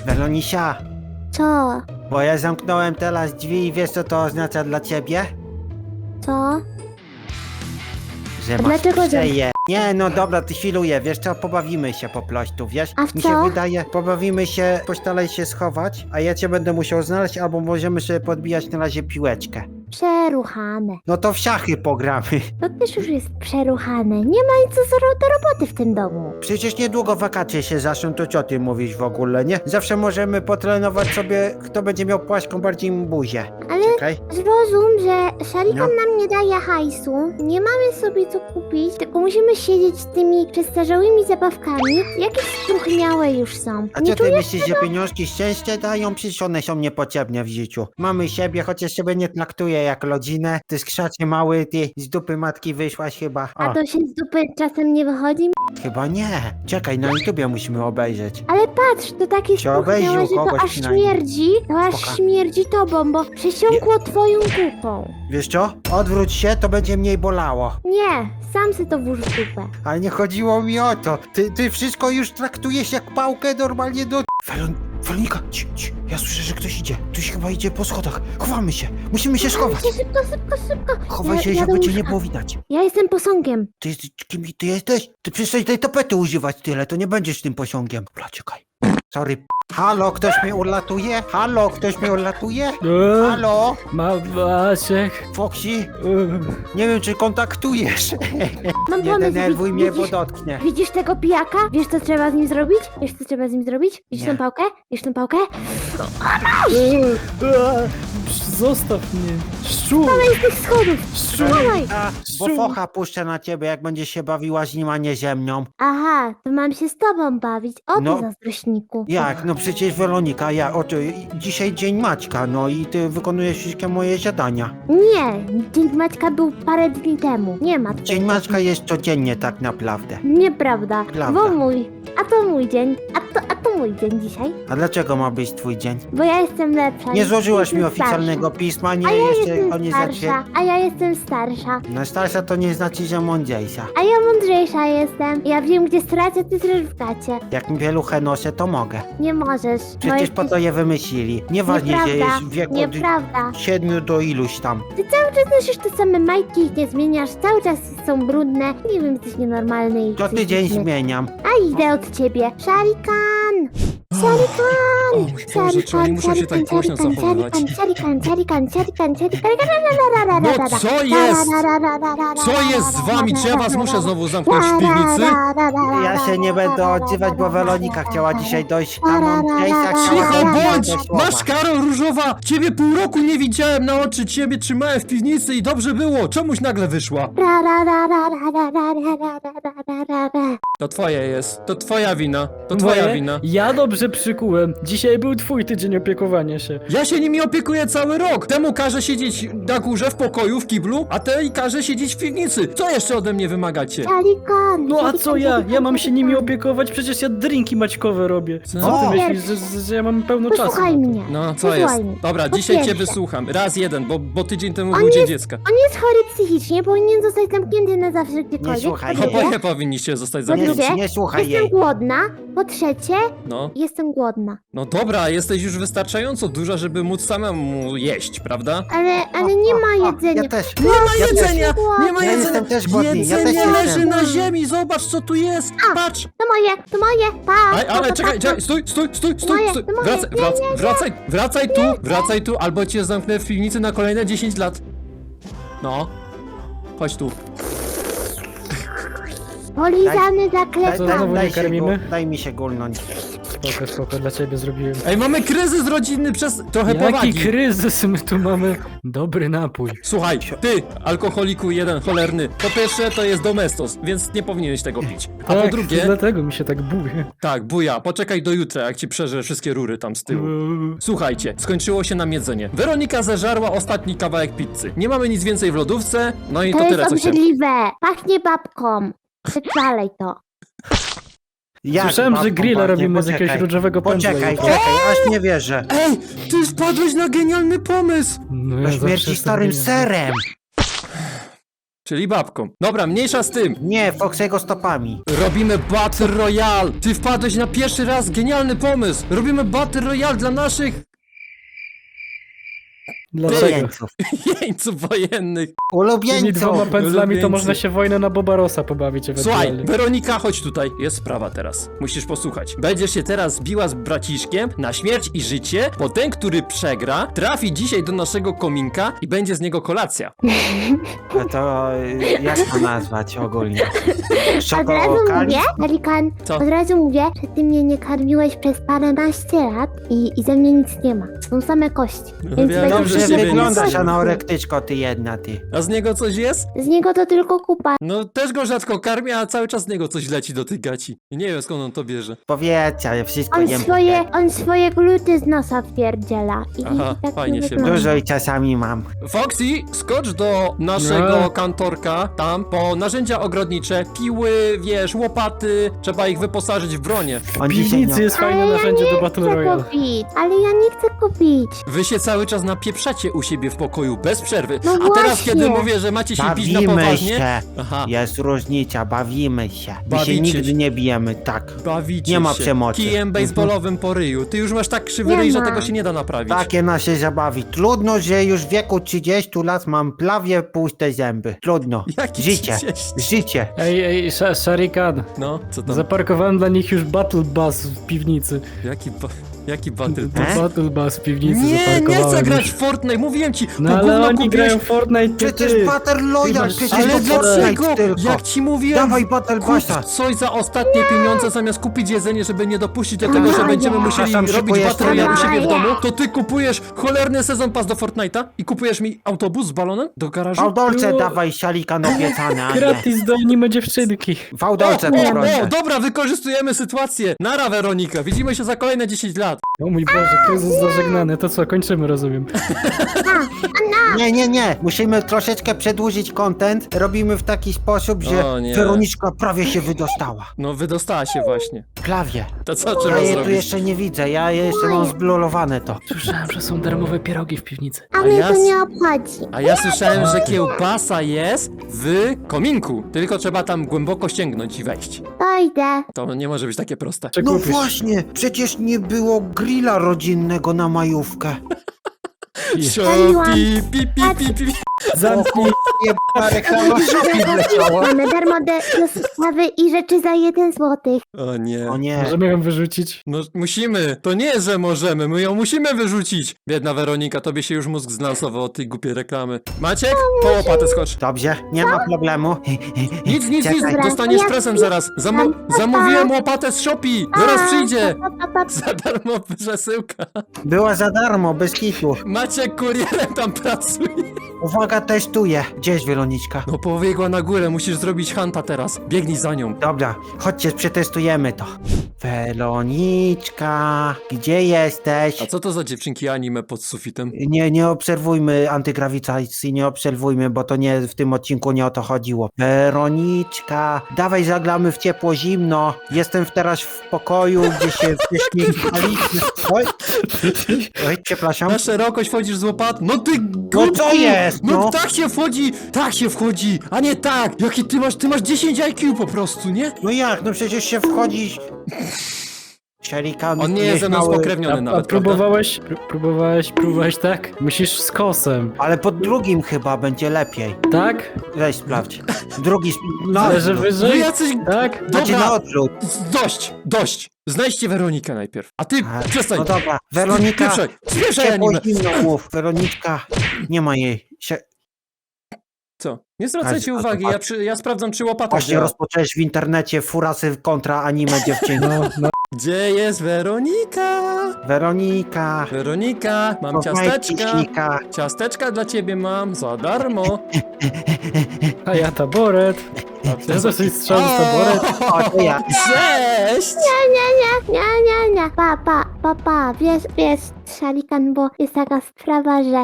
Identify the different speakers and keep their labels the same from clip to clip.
Speaker 1: Welonisia,
Speaker 2: Co?
Speaker 1: bo ja zamknąłem teraz drzwi i wiesz co to oznacza dla ciebie?
Speaker 2: Co?
Speaker 1: Że
Speaker 2: A
Speaker 1: masz
Speaker 2: dlaczego
Speaker 1: przeje. Nie, no dobra, ty chwiluję, wiesz co, pobawimy się po prostu, wiesz?
Speaker 2: A w
Speaker 1: Mi
Speaker 2: co?
Speaker 1: się wydaje, pobawimy się, postaraj się schować, a ja cię będę musiał znaleźć, albo możemy sobie podbijać na razie piłeczkę.
Speaker 2: Przeruchane.
Speaker 1: No to w szachy pogramy.
Speaker 2: To też już jest przeruchane. Nie ma nic do roboty w tym domu.
Speaker 1: Przecież niedługo wakacje się zaczną, to co ty mówisz w ogóle, nie? Zawsze możemy potrenować sobie, kto będzie miał płaską bardziej buzię.
Speaker 2: Ale
Speaker 1: Czekaj.
Speaker 2: zrozum, że Szarikan
Speaker 1: No.
Speaker 2: nam nie daje hajsu. Nie mamy sobie co kupić, tylko musimy siedzieć z tymi przestarzałymi zabawkami. Jakieś struchniałe już są.
Speaker 1: A
Speaker 2: Nie
Speaker 1: co ty
Speaker 2: czujesz
Speaker 1: myślisz, że pieniążki szczęście dają? Przecież one są niepotrzebne w życiu. Mamy siebie, chociaż siebie nie traktuję jak rodzinę. Ty skrzacie mały, ty z dupy matki wyszłaś chyba.
Speaker 2: A to się z dupy czasem nie wychodzi?
Speaker 1: Chyba nie. Czekaj, na YouTubie musimy obejrzeć.
Speaker 2: Ale patrz, to takie
Speaker 1: Się obejrzył
Speaker 2: struchniałe, że to
Speaker 1: kogoś
Speaker 2: aż
Speaker 1: przynajmniej.
Speaker 2: śmierdzi. To aż
Speaker 1: Spoko.
Speaker 2: śmierdzi tobą, bo przesiąkło twoją kupą.
Speaker 1: Wiesz co? Odwróć się, to będzie mniej bolało.
Speaker 2: Nie, sam se to włóż w dupę.
Speaker 1: Ale nie chodziło mi o to. Ty wszystko już traktujesz jak pałkę normalnie do... Weronika, ja słyszę, że ktoś idzie. Ktoś chyba idzie po schodach. Chowamy się. Musimy się schować.
Speaker 2: Szybko.
Speaker 1: Chowaj się,
Speaker 2: Ja
Speaker 1: żeby
Speaker 2: do
Speaker 1: cię nie
Speaker 2: łóżka.
Speaker 1: było widać.
Speaker 2: Ja jestem posągiem.
Speaker 1: Ty jesteś, kim ty jesteś? Ty przestań tej tapety używać tyle, to nie będziesz tym posiągiem. Dobra, czekaj. Sorry. Halo, ktoś mnie ulatuje? Halo, ktoś mnie ulatuje? Halo?
Speaker 3: Maciek.
Speaker 1: Foxy? Nie wiem, czy kontaktujesz.
Speaker 2: Mam
Speaker 1: Nie
Speaker 2: pomysł.
Speaker 1: denerwuj mnie, bo
Speaker 2: Widzisz,
Speaker 1: dotknie.
Speaker 2: widzisz tego pijaka? Wiesz, co trzeba z nim zrobić? Wiesz, co trzeba z nim zrobić? Widzisz
Speaker 1: Nie.
Speaker 2: tą pałkę? Widzisz tą pałkę?
Speaker 3: Zostaw mnie. Szczur.
Speaker 2: Z tych schodów!
Speaker 3: Szczur.
Speaker 2: Dawaj!
Speaker 1: Bo focha puszczę na ciebie, jak będziesz się bawiła z nim, a nie ze mną.
Speaker 2: Aha, to mam się z tobą bawić. O ty
Speaker 1: No.
Speaker 2: zazdrośniku.
Speaker 1: Jak? No przecież Weronika, dzisiaj dzień Maćka, no i ty wykonujesz wszystkie moje zadania.
Speaker 2: Nie, dzień Maćka był parę dni temu. Nie ma
Speaker 1: Dzień
Speaker 2: tego.
Speaker 1: Maćka jest codziennie tak naprawdę.
Speaker 2: Nieprawda.
Speaker 1: Prawda.
Speaker 2: Bo mój. A to mój dzień. A to mój dzień dzisiaj.
Speaker 1: A dlaczego ma być twój dzień?
Speaker 2: Bo ja jestem lepsza.
Speaker 1: Nie złożyłaś mi
Speaker 2: Jestem
Speaker 1: oficjalnego
Speaker 2: starsza.
Speaker 1: pisma, nie
Speaker 2: A ja
Speaker 1: jeszcze
Speaker 2: jestem
Speaker 1: o nie
Speaker 2: starsza. A ja jestem starsza.
Speaker 1: No starsza to nie znaczy, że mądrzejsza.
Speaker 2: A ja mądrzejsza jestem. Ja wiem, gdzie stracę, ty zresz w gacie.
Speaker 1: Jak mi pieluchę noszę, to mogę.
Speaker 2: Nie możesz.
Speaker 1: Przecież po to je wymyślili. Nieważnie, że
Speaker 2: Nieprawda.
Speaker 1: jest w wieku
Speaker 2: Nieprawda.
Speaker 1: 7 do iluś tam.
Speaker 2: Ty cały czas nosisz te same majtki, ich nie zmieniasz, cały czas są brudne. Nie wiem, jesteś nienormalny i
Speaker 1: Co tydzień
Speaker 2: psychiczny.
Speaker 1: zmieniam.
Speaker 2: A idę od ciebie. Szarikan! Szarikan!
Speaker 4: Boże, czy oni muszą się tak głośno zachowywać?
Speaker 2: Szarikan!
Speaker 4: No co jest? Co jest z wami? Czy ja was muszę znowu zamknąć w piwnicy?
Speaker 1: Ja się nie będę odzywać, bo Weronika chciała dzisiaj dojść tam mądrzejsza.
Speaker 4: Cicho bądź!
Speaker 1: słowa.
Speaker 4: Masz Karol Różowa! Ciebie pół roku nie widziałem na oczy, ciebie trzymałem w piwnicy i dobrze było! Czemuś nagle wyszła? To twoje jest, to twoja wina, to twoja
Speaker 3: Moje?
Speaker 4: wina.
Speaker 3: Ja dobrze przykułem. Dzisiaj był twój tydzień opiekowania się.
Speaker 4: Ja się nimi opiekuję cały rok! Temu każę siedzieć na górze w pokoju, w kiblu, a tej każę siedzieć w piwnicy! Co jeszcze ode mnie wymagacie?
Speaker 2: Szarikan!
Speaker 3: No a co ja? Ja mam się nimi opiekować, przecież ja drinki maćkowe robię. Co
Speaker 1: O!
Speaker 3: ty myślisz, że ja mam pełno czasu?
Speaker 2: Posłuchaj mnie.
Speaker 4: No, co
Speaker 2: Posłuchaj
Speaker 4: jest?
Speaker 2: mnie.
Speaker 4: Dobra,
Speaker 2: Po
Speaker 4: dzisiaj cię
Speaker 2: pierwsze,
Speaker 4: wysłucham. Raz jeden, bo tydzień temu
Speaker 2: On
Speaker 4: był Dzień
Speaker 2: jest-
Speaker 4: Dziecka.
Speaker 2: On jest chory psychicznie, powinien zostać zamknięty na zawsze gdziekolwiek.
Speaker 1: słuchaj
Speaker 2: Po
Speaker 1: jej.
Speaker 2: drugie,
Speaker 4: Oboje powinniście zostać
Speaker 2: po
Speaker 4: zamknięci.
Speaker 2: drugie,
Speaker 1: Nie słuchaj
Speaker 2: jestem
Speaker 1: jej.
Speaker 2: głodna. Po trzecie,
Speaker 4: No.
Speaker 2: jestem głodna.
Speaker 4: No dobra, jesteś już wystarczająco duża, żeby móc samemu jeść, prawda?
Speaker 2: Ale nie ma jedzenia.
Speaker 1: Ja też.
Speaker 4: Nie ma
Speaker 1: Ja
Speaker 4: jedzenia! Nie ma
Speaker 1: Ja
Speaker 4: jedzenia!
Speaker 1: jestem też głodny, ja
Speaker 4: Jedzenie
Speaker 1: też jestem.
Speaker 4: leży na ziemi, zobacz co tu jest! Patrz!
Speaker 2: To moje, pa!
Speaker 4: Ale czekaj, stój!
Speaker 2: Moje, to moje.
Speaker 4: Wracaj tu, albo cię zamknę w piwnicy na kolejne 10 lat. No. Chodź tu.
Speaker 2: Polizany zaklepany.
Speaker 3: znowu nie karmimy?
Speaker 1: Daj mi się gulnąć.
Speaker 3: Spoko, dla ciebie zrobiłem.
Speaker 4: Ej, mamy kryzys rodzinny przez trochę
Speaker 3: Jaki
Speaker 4: powagi.
Speaker 3: kryzys, my tu mamy dobry napój.
Speaker 4: Słuchaj, ty, alkoholiku jeden cholerny. Po pierwsze, to jest domestos, więc nie powinieneś tego pić. A po
Speaker 3: Tak,
Speaker 4: drugie,
Speaker 3: dlatego mi się tak buje.
Speaker 4: tak, buja, poczekaj do jutra, jak ci przeżę wszystkie rury tam z tyłu. Słuchajcie, skończyło się nam jedzenie. Weronika zeżarła ostatni kawałek pizzy. Nie mamy nic więcej w lodówce, no i to
Speaker 2: To
Speaker 4: tyle,
Speaker 2: jest
Speaker 4: co chciałem.
Speaker 2: obrzydliwe. Pachnie babką. Wypalej to.
Speaker 1: Jak,
Speaker 3: Słyszałem, że
Speaker 1: babką
Speaker 3: grilla
Speaker 1: pachnie?
Speaker 3: robimy z jakiegoś
Speaker 1: Poczekaj.
Speaker 3: różowego pędzla.
Speaker 1: Poczekaj,
Speaker 3: jutro.
Speaker 1: aż nie wierzę.
Speaker 4: Ej, ty wpadłeś na genialny pomysł!
Speaker 3: No,
Speaker 1: To
Speaker 3: ja zawsze
Speaker 1: śmierci
Speaker 3: jestem
Speaker 1: starym
Speaker 3: genialny.
Speaker 1: serem.
Speaker 4: czyli babką. Dobra, mniejsza z tym.
Speaker 1: Nie, Foxego stopami.
Speaker 4: Robimy Battle Royale. Ty wpadłeś na pierwszy raz, genialny pomysł. Robimy Battle Royale dla naszych
Speaker 3: Dlaczego?
Speaker 1: Ulubieńców.
Speaker 4: jeńców wojennych.
Speaker 3: Tymi dwoma
Speaker 1: Ulubieńców.
Speaker 3: pędzlami to
Speaker 4: Ulubieńcy.
Speaker 3: można się wojnę na Bobarosa pobawić
Speaker 4: Słuchaj,
Speaker 3: ewentualnie.
Speaker 4: Weronika, chodź tutaj. Jest sprawa teraz. Musisz posłuchać. Będziesz się teraz biła z braciszkiem na śmierć i życie, bo ten, który przegra, trafi dzisiaj do naszego kominka i będzie z niego kolacja.
Speaker 1: No to jak to nazwać ogólnie?
Speaker 2: Od razu
Speaker 1: Szokokali?
Speaker 2: mówię, Pelikan,
Speaker 4: Co?
Speaker 2: od razu mówię, że ty mnie nie karmiłeś przez paręnaście lat i ze mnie nic nie ma. Są same kości.
Speaker 4: No
Speaker 2: Więc
Speaker 4: wiadomo,
Speaker 2: będzie
Speaker 4: że
Speaker 1: Dobrze
Speaker 4: z ciebie
Speaker 1: wyglądasz,
Speaker 4: nic.
Speaker 1: anorektyczko, ty jedna, ty.
Speaker 4: A z niego coś jest?
Speaker 2: z niego to tylko kupa.
Speaker 4: No też go rzadko karmię, a cały czas z niego coś leci do tych gaci. I nie wiem skąd on to bierze.
Speaker 1: Powietrze, wszystko
Speaker 2: On swoje gluty z nosa wpierdziela.
Speaker 4: Aha,
Speaker 2: tak
Speaker 4: fajnie
Speaker 2: nie
Speaker 4: się
Speaker 2: wygląda.
Speaker 1: Dużo i czasami mam.
Speaker 4: Foxy, skocz do naszego
Speaker 3: No.
Speaker 4: kantorka, tam, po narzędzia ogrodnicze, piły, wiesz, łopaty, trzeba ich wyposażyć w bronię.
Speaker 1: On
Speaker 3: W
Speaker 1: dzisiaj
Speaker 3: piwnicy jest fajne
Speaker 2: Ale ja
Speaker 3: narzędzie
Speaker 2: nie
Speaker 3: do Battle
Speaker 2: chcę
Speaker 3: Royale.
Speaker 2: kupić. Ale ja nie chcę kupić.
Speaker 4: Wy się cały czas napieprzacie u siebie w pokoju, bez przerwy.
Speaker 2: No
Speaker 4: A teraz,
Speaker 2: właśnie.
Speaker 4: kiedy mówię, że macie się bić na
Speaker 1: Bawimy
Speaker 4: poważnie...
Speaker 1: się.
Speaker 4: Aha,
Speaker 1: Jest różnica, bawimy się. My
Speaker 4: Bawicie
Speaker 1: się nigdy
Speaker 4: się.
Speaker 1: nie bijemy, tak.
Speaker 4: bawicie
Speaker 1: Nie ma
Speaker 4: się.
Speaker 1: przemocy.
Speaker 4: Kijem baseballowym po ryju. Ty już masz tak krzywy
Speaker 2: Nie
Speaker 4: ryj, że
Speaker 2: ma.
Speaker 4: tego się nie da naprawić.
Speaker 1: Takie nasze zabawy. Trudno, że już w wieku 30 lat mam prawie puste zęby. Trudno.
Speaker 4: Jaki
Speaker 1: Życie.
Speaker 4: 30?
Speaker 1: Życie.
Speaker 3: Ej, Sharikan.
Speaker 4: No, co tam?
Speaker 3: Zaparkowałem dla nich już Battle Bus w piwnicy.
Speaker 4: Jaki battle?
Speaker 3: Battle Bus w piwnicy
Speaker 4: Nie
Speaker 3: zaparkowałem
Speaker 4: chcę grać
Speaker 3: już.
Speaker 4: w Fortnite, mówiłem ci!
Speaker 3: No
Speaker 4: to
Speaker 3: ale
Speaker 4: gówno
Speaker 3: oni
Speaker 4: kupiłeś-
Speaker 3: grają w Fortnite, ty.
Speaker 1: Przecież Battle Royale,
Speaker 3: masz-
Speaker 1: przecież
Speaker 4: Ale
Speaker 1: to
Speaker 4: dlaczego?
Speaker 1: Fortnite tylko.
Speaker 4: Jak ci mówiłem,
Speaker 1: Dawaj Battle
Speaker 4: kup
Speaker 1: Passa.
Speaker 4: coś za ostatnie pieniądze, zamiast kupić jedzenie, żeby nie dopuścić do tego, że będziemy musieli
Speaker 1: Tam
Speaker 4: robić
Speaker 1: szykujesz
Speaker 4: Battle Royale u
Speaker 2: to.
Speaker 4: siebie w domu, to ty kupujesz cholerny sezon pass do Fortnite'a i kupujesz mi autobus z balonem do garażu?
Speaker 1: Fałdolce
Speaker 3: No.
Speaker 1: dawaj, sialikan obiecane, a nie.
Speaker 3: Gratis do anime dziewczynki.
Speaker 1: Fałdolce poproszę.
Speaker 4: Dobra, wykorzystujemy sytuację. Nara, Weronika, widzimy się za kolejne 10 lat.
Speaker 3: O mój Boże, kryzys zażegnany. To co, kończymy, rozumiem.
Speaker 1: Nie. Musimy troszeczkę przedłużyć content. Robimy w taki sposób, że
Speaker 4: O nie.
Speaker 1: Weroniczka prawie się wydostała.
Speaker 4: No, wydostała się właśnie.
Speaker 1: Prawie.
Speaker 4: To co
Speaker 1: Ja
Speaker 4: trzeba
Speaker 1: jej tu
Speaker 4: zrobić?
Speaker 1: jeszcze nie widzę, ja jeszcze mam zblulowane to.
Speaker 3: Słyszałem, że są darmowe pierogi w piwnicy.
Speaker 2: A mnie
Speaker 4: ja
Speaker 2: to
Speaker 4: s-
Speaker 2: nie obchodzi.
Speaker 4: A ja słyszałem, że kiełbasa jest w kominku. Tylko trzeba tam głęboko sięgnąć i wejść.
Speaker 2: To idę.
Speaker 4: To nie może być takie proste.
Speaker 3: Czy
Speaker 1: No
Speaker 3: kupisz?
Speaker 1: właśnie, przecież nie było grilla rodzinnego na majówkę.
Speaker 4: Pi, pi, pi, pi, pi.
Speaker 3: Zamknij.
Speaker 1: Jebana reklama Shopee wleciała.
Speaker 2: Mamy darmo dostawy i rzeczy za 1 złotych.
Speaker 4: O nie.
Speaker 1: O nie.
Speaker 3: Możemy ją wyrzucić?
Speaker 4: No musimy. To nie jest, że możemy. My ją musimy wyrzucić. Biedna Weronika, tobie się już mózg zlansował od tej głupiej reklamy. Maciek? Po łopatę skocz.
Speaker 1: Dobrze, nie ma problemu.
Speaker 4: Nic.
Speaker 1: Czekaj.
Speaker 4: Dostaniesz prezent zaraz. Zamówiłem łopatę z Shopee. Zaraz przyjdzie. Za darmo przesyłka.
Speaker 1: Była za darmo, bez kitu.
Speaker 4: Maciek kurierem tam pracuje.
Speaker 1: Uwaga, testuję. Gdzie jest Weroniczka?
Speaker 4: No pobiegła na górę, musisz zrobić hanta teraz. Biegnij za nią.
Speaker 1: Dobra, chodźcie, przetestujemy to. Weroniczka, gdzie jesteś?
Speaker 4: A co to za dziewczynki anime pod sufitem?
Speaker 1: Nie obserwujmy antygrawitacji, nie obserwujmy, bo to nie w tym odcinku nie o to chodziło. Weroniczka, dawaj zagramy w ciepło zimno. Jestem teraz w pokoju, gdzie się wyśmiechaliśmy. Oj, przepraszam.
Speaker 4: Na szerokość wchodzisz z łopat? No ty
Speaker 1: No
Speaker 4: głupku!
Speaker 1: co jest,
Speaker 4: No
Speaker 1: no?
Speaker 4: tak się wchodzi, a nie tak! Jaki ty masz 10 IQ po prostu, nie?
Speaker 1: No jak, no przecież się wchodzi... Szelikan,
Speaker 4: On nie jest ze mną
Speaker 1: nieśmiały.
Speaker 4: spokrewniony
Speaker 3: A
Speaker 4: nawet, prawda?
Speaker 3: próbowałeś tak? Musisz z kosem.
Speaker 1: Ale pod drugim chyba będzie lepiej.
Speaker 3: Tak?
Speaker 1: Weź sprawdź. Drugi... Na
Speaker 3: Ale że
Speaker 1: odwrót.
Speaker 4: No
Speaker 3: wyżej?
Speaker 4: jacyś...
Speaker 3: Tak?
Speaker 1: Znaczy na
Speaker 4: Dobra,
Speaker 1: odwrót.
Speaker 4: dość! Znajdźcie Weronikę najpierw, a ty
Speaker 1: A,
Speaker 4: przestań!
Speaker 1: No dobra, Weronika,
Speaker 4: Spieprzaj
Speaker 1: ciepło
Speaker 4: anime!
Speaker 1: zimno mów. Weroniczka, nie ma jej.
Speaker 4: Co? Nie zwracajcie
Speaker 1: Ale-
Speaker 4: uwagi, ja sprawdzam, czy łopata
Speaker 1: Właśnie
Speaker 4: działa.
Speaker 1: rozpocząłeś w internecie furasy kontra anime dziewczyny.
Speaker 3: No.
Speaker 4: Gdzie jest Weronika?
Speaker 1: Weronika,
Speaker 4: Weronika, mam
Speaker 1: kochaj
Speaker 4: ciasteczka.
Speaker 1: ciśnika.
Speaker 4: Ciasteczka dla ciebie mam, za darmo.
Speaker 3: A ja taboret. Ja dosyć strzał z taboret.
Speaker 1: O, to ja.
Speaker 4: Cześć!
Speaker 2: Nie. Papa, wiesz, Szalikan, bo jest taka sprawa, że...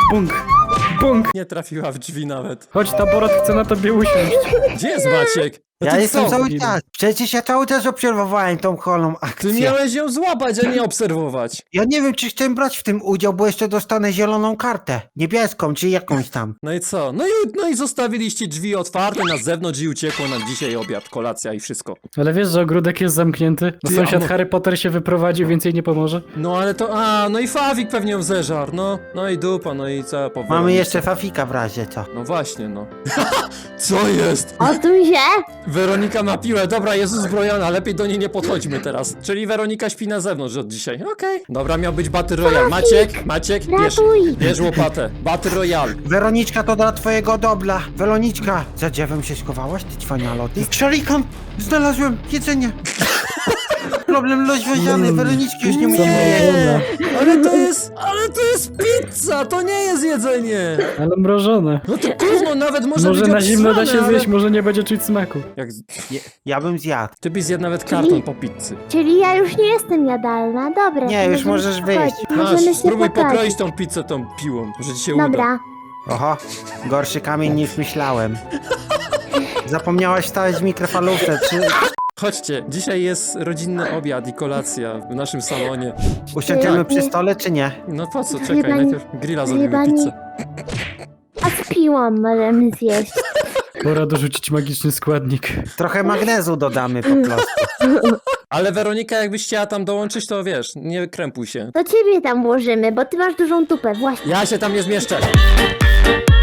Speaker 3: Bung.
Speaker 4: Nie trafiła w drzwi nawet.
Speaker 3: Chodź, taboret chce na tobie usiąść.
Speaker 4: Gdzie jest Maciek? No
Speaker 1: Ja
Speaker 4: ty
Speaker 1: jestem
Speaker 4: co?
Speaker 1: cały czas. Przecież ja cały czas obserwowałem tą holą
Speaker 4: Ty
Speaker 1: akcję.
Speaker 4: miałeś ją złapać, a nie obserwować.
Speaker 1: Ja nie wiem, czy chcę brać w tym udział, bo jeszcze dostanę zieloną kartę. Niebieską, czy jakąś tam.
Speaker 4: No i co? No i zostawiliście drzwi otwarte na zewnątrz i uciekło nam dzisiaj obiad, kolacja i wszystko.
Speaker 3: Ale wiesz, że ogródek jest zamknięty? Bo
Speaker 4: Ty,
Speaker 3: sąsiad
Speaker 4: a
Speaker 3: Harry Potter się wyprowadził, więc jej nie pomoże.
Speaker 4: No ale to, no i Fawik pewnie ją zeżarł, no i dupa, no i co po
Speaker 1: Mamy
Speaker 4: Weronice?
Speaker 1: jeszcze Fafika w razie, co?
Speaker 4: No właśnie, no. Co jest?
Speaker 2: Odsuń się!
Speaker 4: Weronika ma piłę, dobra, jest uzbrojona, lepiej do niej nie podchodźmy teraz. Czyli Weronika śpi na zewnątrz od dzisiaj, okej. Dobra, miał być Battle Royale. Maciek,
Speaker 2: Ratuj!
Speaker 4: bierz łopatę. Battle Royale.
Speaker 1: Weroniczka, to dla twojego dobra. Weroniczka, za drzewem się schowałaś, ty cwanialo, ty? Szalikan! Znalazłem jedzenie! Problem rozwiązany, Weroniczki już nie musimy jeść.
Speaker 3: Zamrożone.
Speaker 4: Ale to jest pizza, to nie jest jedzenie.
Speaker 3: Ale mrożone.
Speaker 4: No to gówno nawet może
Speaker 3: Może
Speaker 4: być
Speaker 3: na zimno da
Speaker 4: obsrane,
Speaker 3: się
Speaker 4: ale...
Speaker 3: zjeść, może nie będzie czuć smaku.
Speaker 4: Jak...
Speaker 1: Ja bym zjadł.
Speaker 4: Ty byś zjadł nawet karton po pizzy.
Speaker 2: Czyli ja już nie jestem jadalna, dobra.
Speaker 1: Nie,
Speaker 2: to
Speaker 1: już
Speaker 2: możemy
Speaker 1: możesz
Speaker 2: się
Speaker 1: wyjść.
Speaker 2: pogodzić.
Speaker 4: Masz,
Speaker 2: Możemy się
Speaker 4: spróbuj
Speaker 2: pogodzić.
Speaker 4: pokroić tą pizzę tą piłą, może ci się uda.
Speaker 2: Dobra.
Speaker 1: Oho, gorszy kamień niż myślałem. Zapomniałaś wstawić w mikrofalówce, czy
Speaker 4: Chodźcie, dzisiaj jest rodzinny obiad i kolacja w naszym salonie.
Speaker 1: usiądziemy przy stole, czy nie?
Speaker 4: No po co,
Speaker 2: Chyba
Speaker 4: czekaj,
Speaker 2: nie-
Speaker 4: najpierw grilla zrobimy
Speaker 2: chyba nie-
Speaker 4: pizzę.
Speaker 2: A z piłą możemy zjeść.
Speaker 3: Pora dorzucić magiczny składnik.
Speaker 1: Trochę magnezu dodamy po prostu.
Speaker 4: Ale Weronika, jakbyś chciała tam dołączyć, to wiesz, nie krępuj się.
Speaker 2: To ciebie tam włożymy, bo ty masz dużą tupę, właśnie.
Speaker 4: Ja się tam nie zmieszczę.